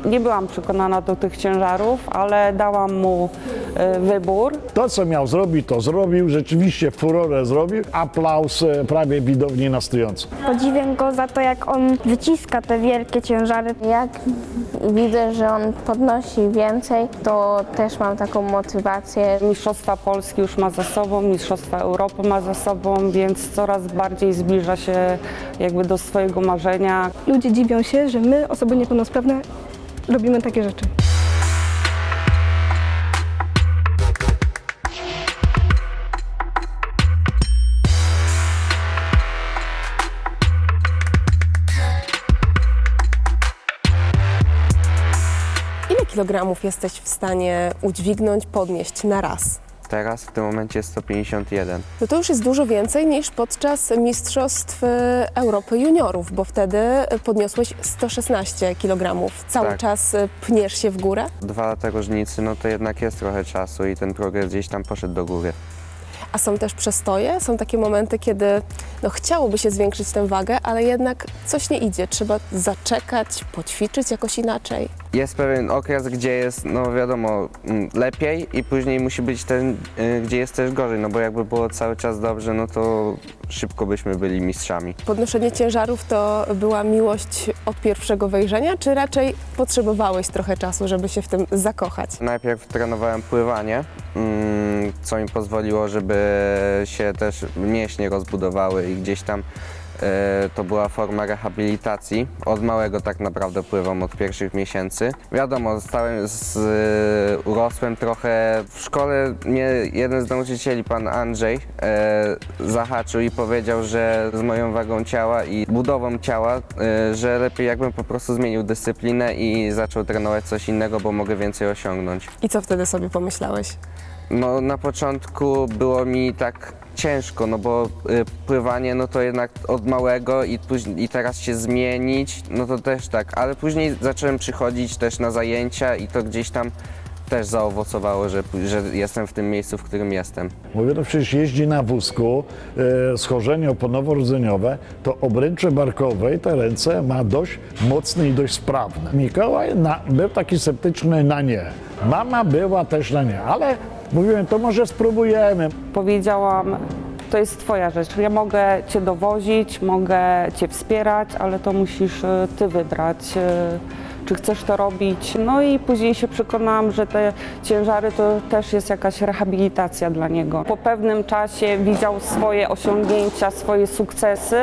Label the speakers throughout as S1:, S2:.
S1: Nie byłam przekonana do tych ciężarów, ale dałam mu wybór.
S2: To, co miał zrobić, to zrobił. Rzeczywiście furorę zrobił. Aplauz prawie widowni na stojąco.
S3: Podziwiam go za to, jak on wyciska te wielkie ciężary.
S4: Jak widzę, że on podnosi więcej, to też mam taką motywację.
S1: Mistrzostwa Polski już ma za sobą, Mistrzostwa Europy ma za sobą, więc coraz bardziej zbliża się jakby do swojego marzenia.
S5: Ludzie dziwią się, że my, osoby niepełnosprawne, robimy takie rzeczy.
S6: Ile kilogramów jesteś w stanie udźwignąć, podnieść na raz?
S7: Teraz w tym momencie jest 151.
S6: No to już jest dużo więcej niż podczas Mistrzostw Europy Juniorów, bo wtedy podniosłeś 116 kg. Cały
S7: Tak.
S6: czas pniesz się w górę.
S7: 2 lata różnicy, no to jednak jest trochę czasu i ten progres gdzieś tam poszedł do góry.
S6: A są też przestoje, są takie momenty, kiedy chciałoby się zwiększyć tę wagę, ale jednak coś nie idzie. Trzeba zaczekać, poćwiczyć jakoś inaczej.
S7: Jest pewien okres, gdzie jest, no wiadomo, lepiej i później musi być ten, gdzie jest też gorzej, no bo jakby było cały czas dobrze, no to szybko byśmy byli mistrzami.
S6: Podnoszenie ciężarów to była miłość od pierwszego wejrzenia, czy raczej potrzebowałeś trochę czasu, żeby się w tym zakochać?
S7: Najpierw trenowałem pływanie, co mi pozwoliło, żeby się też mięśnie rozbudowały i gdzieś tam to była forma rehabilitacji. Od małego tak naprawdę pływam, od pierwszych miesięcy. Wiadomo, urosłem trochę. W szkole mnie jeden z nauczycieli, pan Andrzej, zahaczył i powiedział, że z moją wagą ciała i budową ciała, że lepiej jakbym po prostu zmienił dyscyplinę i zaczął trenować coś innego, bo mogę więcej osiągnąć.
S6: I co wtedy sobie pomyślałeś?
S7: No na początku było mi tak ciężko, no bo pływanie no to jednak od małego i teraz się zmienić, no to też tak, ale później zacząłem przychodzić też na zajęcia i to gdzieś tam też zaowocowało, że jestem w tym miejscu, w którym jestem.
S2: Mówię, no przecież jeździ na wózku, schorzenie oponowo-rdzeniowe, to obręcze barkowej te ręce ma dość mocne i dość sprawne. Mikołaj był taki sceptyczny na nie. Mama była też na nie, ale mówiłem, to może spróbujemy.
S1: Powiedziałam, to jest twoja rzecz, ja mogę cię dowozić, mogę cię wspierać, ale to musisz ty wybrać, czy chcesz to robić. No i później się przekonałam, że te ciężary to też jest jakaś rehabilitacja dla niego. Po pewnym czasie widział swoje osiągnięcia, swoje sukcesy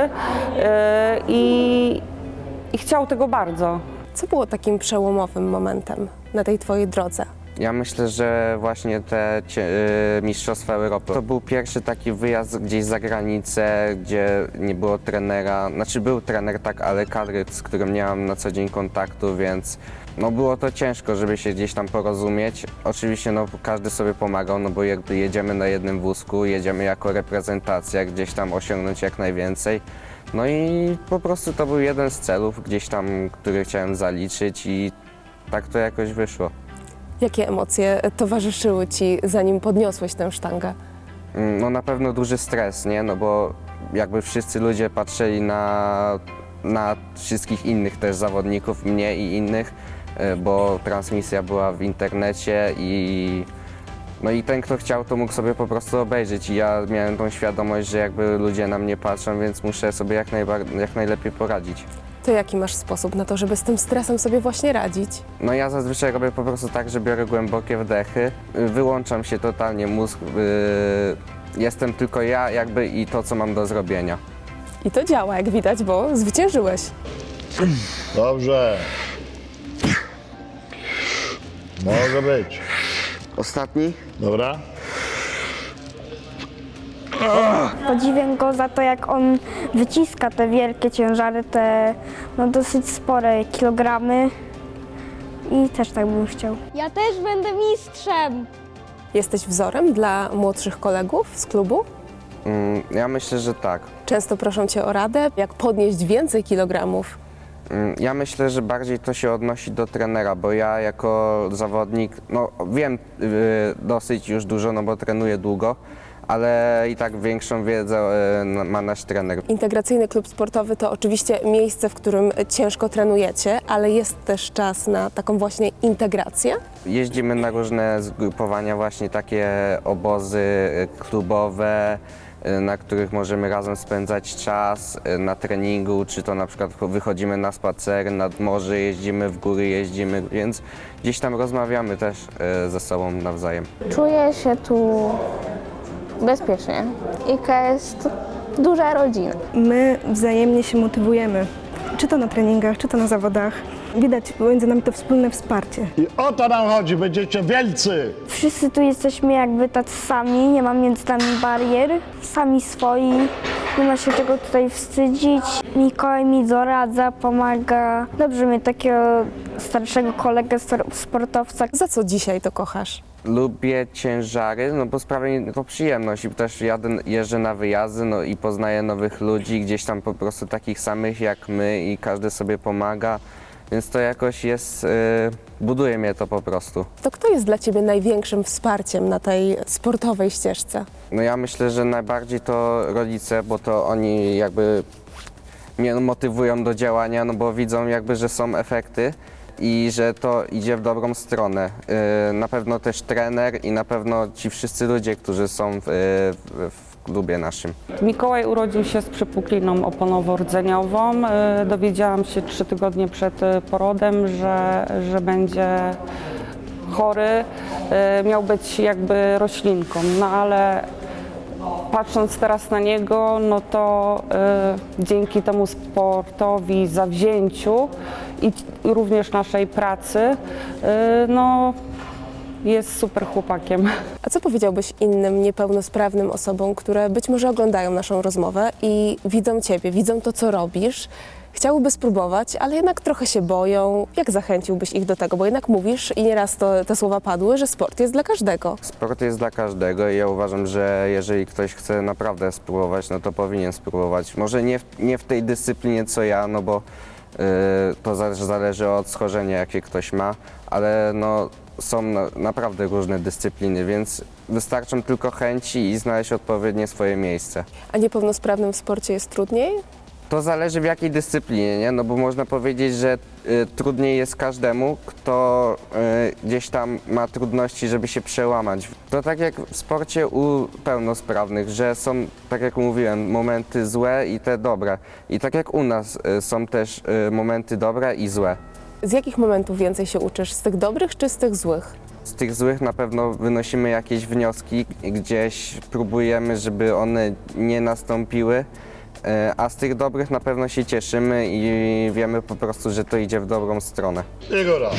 S1: i chciał tego bardzo.
S6: Co było takim przełomowym momentem na tej twojej drodze?
S7: Ja myślę, że właśnie te Mistrzostwa Europy to był pierwszy taki wyjazd gdzieś za granicę, gdzie nie było trenera, znaczy był trener tak, ale kadry, z którym nie mam na co dzień kontaktu, więc no było to ciężko, żeby się gdzieś tam porozumieć. Oczywiście no każdy sobie pomagał, no bo jakby jedziemy na jednym wózku, jedziemy jako reprezentacja, gdzieś tam osiągnąć jak najwięcej. No i po prostu to był jeden z celów gdzieś tam, który chciałem zaliczyć i tak to jakoś wyszło.
S6: Jakie emocje towarzyszyły ci, zanim podniosłeś tę sztangę?
S7: No na pewno duży stres, nie? No bo jakby wszyscy ludzie patrzyli na wszystkich innych też zawodników, mnie i innych, bo transmisja była w internecie no i ten, kto chciał, to mógł sobie po prostu obejrzeć i ja miałem tą świadomość, że jakby ludzie na mnie patrzą, więc muszę sobie jak najlepiej poradzić.
S6: To jaki masz sposób na to, żeby z tym stresem sobie właśnie radzić?
S7: No ja zazwyczaj robię po prostu tak, że biorę głębokie wdechy, wyłączam się totalnie mózg, jestem tylko ja jakby i to, co mam do zrobienia.
S6: I to działa, jak widać, bo zwyciężyłeś.
S2: Dobrze. Może być.
S7: Ostatni?
S2: Dobra.
S3: Podziwiam go za to, jak on wyciska te wielkie ciężary, te dosyć spore kilogramy. I też tak bym chciał.
S4: Ja też będę mistrzem!
S6: Jesteś wzorem dla młodszych kolegów z klubu?
S7: Ja myślę, że tak.
S6: Często proszą cię o radę, jak podnieść więcej kilogramów.
S7: Ja myślę, że bardziej to się odnosi do trenera, bo ja jako zawodnik, no wiem dosyć już dużo, no bo trenuję długo, ale i tak większą wiedzę ma nasz trener.
S6: Integracyjny klub sportowy to oczywiście miejsce, w którym ciężko trenujecie, ale jest też czas na taką właśnie integrację.
S7: Jeździmy na różne zgrupowania, właśnie takie obozy klubowe, na których możemy razem spędzać czas na treningu, czy to na przykład wychodzimy na spacer, nad morze jeździmy, w góry jeździmy, więc gdzieś tam rozmawiamy też ze sobą nawzajem.
S4: Czuję się tu bezpiecznie. IKA jest duża rodzina.
S5: My wzajemnie się motywujemy, czy to na treningach, czy to na zawodach. Widać między nami to wspólne wsparcie.
S2: I o to nam chodzi, będziecie wielcy!
S3: Wszyscy tu jesteśmy jakby tacy sami, nie ma między nami barier, sami swoi, nie ma się czego tutaj wstydzić. Mikołaj mi doradza, pomaga. Dobrze mieć takiego starszego kolegę sportowca.
S6: Za co dzisiaj to kochasz?
S7: Lubię ciężary, no bo sprawia mi to przyjemność i też jeżdżę na wyjazdy, no i poznaję nowych ludzi, gdzieś tam po prostu takich samych jak my i każdy sobie pomaga, więc to jakoś jest, buduje mnie to po prostu.
S6: To kto jest dla Ciebie największym wsparciem na tej sportowej ścieżce?
S7: No ja myślę, że najbardziej to rodzice, bo to oni jakby mnie motywują do działania, no bo widzą jakby, że są efekty i że to idzie w dobrą stronę. Na pewno też trener i na pewno ci wszyscy ludzie, którzy są w klubie naszym.
S1: Mikołaj urodził się z przypukliną oponowo-rdzeniową. Dowiedziałam się 3 tygodnie przed porodem, że będzie chory. Miał być jakby roślinką, no ale patrząc teraz na niego, no to dzięki temu sportowi, zawzięciu i również naszej pracy, no jest super chłopakiem.
S6: A co powiedziałbyś innym niepełnosprawnym osobom, które być może oglądają naszą rozmowę i widzą Ciebie, widzą to, co robisz, chciałyby spróbować, ale jednak trochę się boją? Jak zachęciłbyś ich do tego? Bo jednak mówisz, i nieraz te słowa padły, że sport jest dla każdego.
S7: Sport jest dla każdego i ja uważam, że jeżeli ktoś chce naprawdę spróbować, no to powinien spróbować. Może nie w tej dyscyplinie co ja, no bo to zależy od schorzenia, jakie ktoś ma, ale no są naprawdę różne dyscypliny, więc wystarczą tylko chęci i znaleźć odpowiednie swoje miejsce.
S6: A niepełnosprawnym w sporcie jest trudniej?
S7: To zależy w jakiej dyscyplinie, nie? No bo można powiedzieć, że trudniej jest każdemu, kto gdzieś tam ma trudności, żeby się przełamać. To tak jak w sporcie u pełnosprawnych, że są, tak jak mówiłem, momenty złe i te dobre. I tak jak u nas są też momenty dobre i złe.
S6: Z jakich momentów więcej się uczysz? Z tych dobrych czy z tych złych?
S7: Z tych złych na pewno wynosimy jakieś wnioski, gdzieś próbujemy, żeby one nie nastąpiły, a z tych dobrych na pewno się cieszymy i wiemy po prostu, że to idzie w dobrą stronę.
S2: Igora.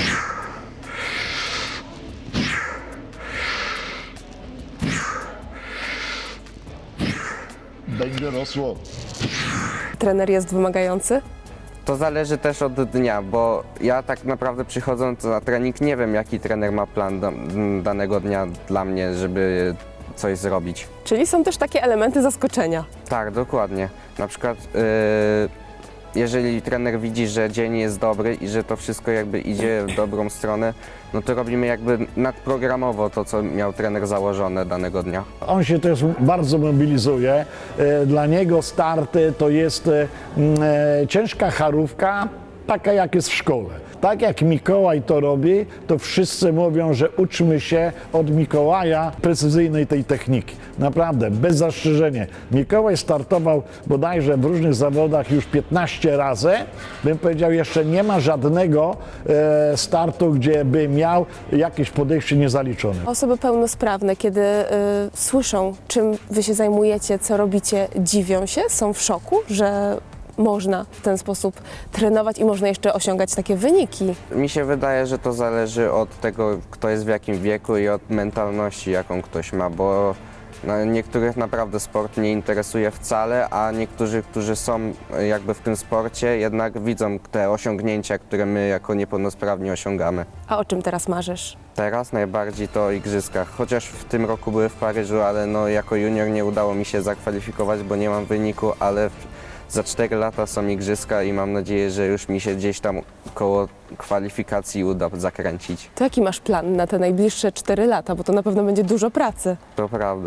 S2: Będzie rosło.
S6: Trener jest wymagający?
S7: To zależy też od dnia, bo ja tak naprawdę przychodząc na trening nie wiem, jaki trener ma plan danego dnia dla mnie, żeby coś zrobić.
S6: Czyli są też takie elementy zaskoczenia.
S7: Tak, dokładnie. Na przykład jeżeli trener widzi, że dzień jest dobry i że to wszystko jakby idzie w dobrą stronę, no to robimy jakby nadprogramowo to, co miał trener założone danego dnia.
S2: On się też bardzo mobilizuje. Dla niego starty to jest ciężka charówka, taka jak jest w szkole. Tak jak Mikołaj to robi, to wszyscy mówią, że uczmy się od Mikołaja precyzyjnej tej techniki. Naprawdę, bez zastrzeżenia. Mikołaj startował bodajże w różnych zawodach już 15 razy. Bym powiedział, jeszcze nie ma żadnego startu, gdzie by miał jakieś podejście niezaliczone.
S6: Osoby pełnosprawne, kiedy słyszą, czym wy się zajmujecie, co robicie, dziwią się, są w szoku, że można w ten sposób trenować i można jeszcze osiągać takie wyniki.
S7: Mi się wydaje, że to zależy od tego, kto jest w jakim wieku i od mentalności, jaką ktoś ma, bo niektórych naprawdę sport nie interesuje wcale, a niektórzy, którzy są jakby w tym sporcie, jednak widzą te osiągnięcia, które my jako niepełnosprawni osiągamy.
S6: A o czym teraz marzysz?
S7: Teraz najbardziej to o igrzyskach, chociaż w tym roku były w Paryżu, ale no jako junior nie udało mi się zakwalifikować, bo nie mam wyniku, ale za 4 lata są igrzyska i mam nadzieję, że już mi się gdzieś tam koło kwalifikacji uda zakręcić.
S6: To jaki masz plan na te najbliższe 4 lata, bo to na pewno będzie dużo pracy.
S7: To prawda.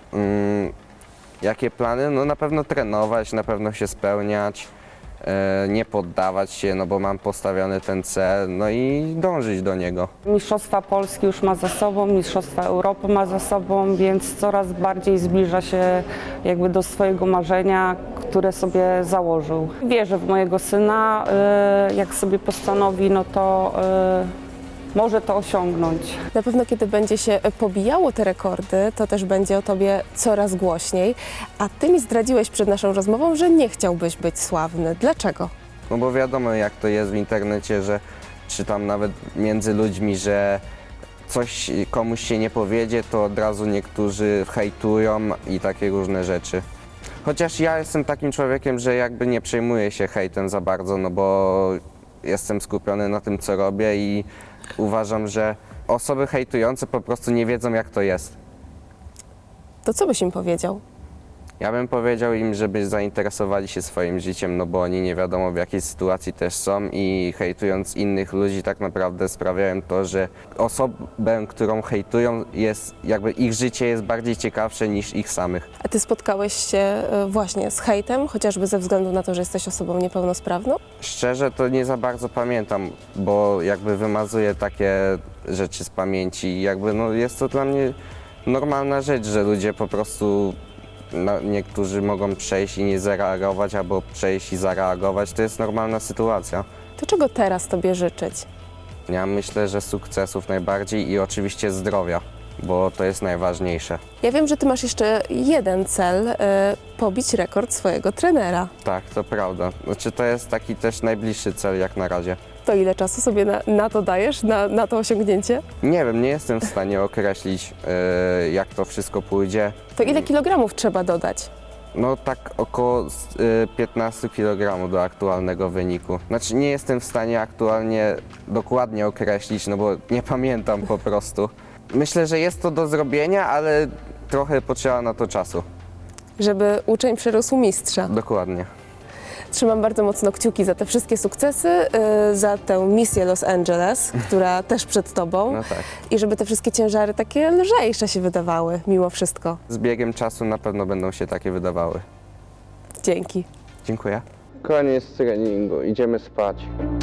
S7: Jakie plany? No na pewno trenować, na pewno się spełniać, nie poddawać się, no bo mam postawiony ten cel, no i dążyć do niego.
S1: Mistrzostwa Polski już ma za sobą, Mistrzostwa Europy ma za sobą, więc coraz bardziej zbliża się jakby do swojego marzenia, które sobie założył. Wierzę w mojego syna, jak sobie postanowi, no to może to osiągnąć.
S6: Na pewno kiedy będzie się pobijało te rekordy, to też będzie o tobie coraz głośniej. A ty mi zdradziłeś przed naszą rozmową, że nie chciałbyś być sławny. Dlaczego?
S7: No bo wiadomo jak to jest w internecie, że czy tam nawet między ludźmi, że coś komuś się nie powiedzie, to od razu niektórzy hejtują i takie różne rzeczy. Chociaż ja jestem takim człowiekiem, że jakby nie przejmuję się hejtem za bardzo, no bo jestem skupiony na tym, co robię i uważam, że osoby hejtujące po prostu nie wiedzą, jak to jest.
S6: To co byś im powiedział?
S7: Ja bym powiedział im, żeby zainteresowali się swoim życiem, no bo oni nie wiadomo w jakiej sytuacji też są i hejtując innych ludzi tak naprawdę sprawiają to, że osobę, którą hejtują, jest jakby ich życie jest bardziej ciekawsze niż ich samych.
S6: A ty spotkałeś się właśnie z hejtem, chociażby ze względu na to, że jesteś osobą niepełnosprawną?
S7: Szczerze to nie za bardzo pamiętam, bo jakby wymazuję takie rzeczy z pamięci i jakby no jest to dla mnie normalna rzecz, że ludzie po prostu niektórzy mogą przejść i nie zareagować, albo przejść i zareagować. To jest normalna sytuacja.
S6: To czego teraz tobie życzyć?
S7: Ja myślę, że sukcesów najbardziej i oczywiście zdrowia, bo to jest najważniejsze.
S6: Ja wiem, że ty masz jeszcze jeden cel, pobić rekord swojego trenera.
S7: Tak, to prawda. Znaczy to jest taki też najbliższy cel jak na razie.
S6: To ile czasu sobie na to dajesz, na to osiągnięcie?
S7: Nie wiem, nie jestem w stanie określić, jak to wszystko pójdzie.
S6: To ile kilogramów trzeba dodać?
S7: No tak około 15 kg do aktualnego wyniku. Znaczy nie jestem w stanie aktualnie dokładnie określić, no bo nie pamiętam po prostu. Myślę, że jest to do zrobienia, ale trochę potrzeba na to czasu.
S6: Żeby uczeń przerósł mistrza.
S7: Dokładnie.
S6: Trzymam bardzo mocno kciuki za te wszystkie sukcesy, za tę misję Los Angeles, która też przed tobą.
S7: No tak.
S6: I żeby te wszystkie ciężary takie lżejsze się wydawały mimo wszystko.
S7: Z biegiem czasu na pewno będą się takie wydawały.
S6: Dzięki.
S7: Dziękuję. Koniec treningu, idziemy spać.